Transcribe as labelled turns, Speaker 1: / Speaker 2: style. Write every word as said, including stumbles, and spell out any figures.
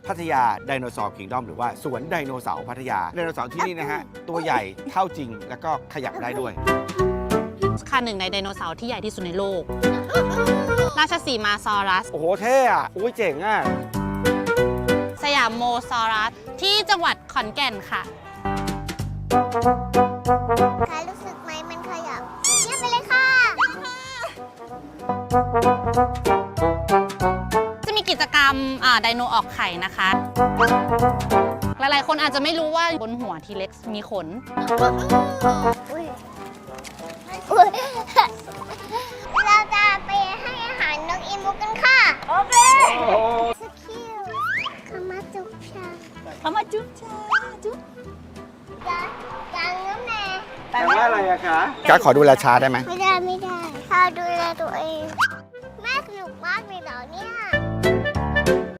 Speaker 1: พัทยาไดโนเสาร์คิงดอมหรือว่าสวนไดโนเสาร์พัทยาไดโนเสาร์ที่นี่นะฮะตัวใหญ่เท่าจริงแล้วก็ขยับได้ด้วย
Speaker 2: ค่ะหนึ่งในไดโนเสาร์ที่ใหญ่ที่สุดในโลก ราชสีมาซอรัส
Speaker 1: โอ้โหเท่อะโอ้ยเจ๋งอะ
Speaker 2: สยามโมซอรัสที่จังหวัดขอนแก่นค่ะ
Speaker 3: ใครรู้สึกไหมมันขยับเยี่ยมไปเลยค่ะ
Speaker 2: จะมีกิจกรรมไดโนออกไข่นะคะ หลายๆคนอาจจะไม่รู้ว่าบนหัวทีเล็กซ์มีขน
Speaker 3: เราจะไปให้อาหารนกอีมูกันค่ะโอเคสกิลคามาจุ๊บชา
Speaker 2: คามาจุ๊บชาจุ๊บ
Speaker 3: จะจังน้ำแน่
Speaker 1: แปลว่าอะไรอะคะการขอดูแลช้าได้ไหม
Speaker 3: ไม่ได้ไม่ได้ข้าดูแลตัวเอง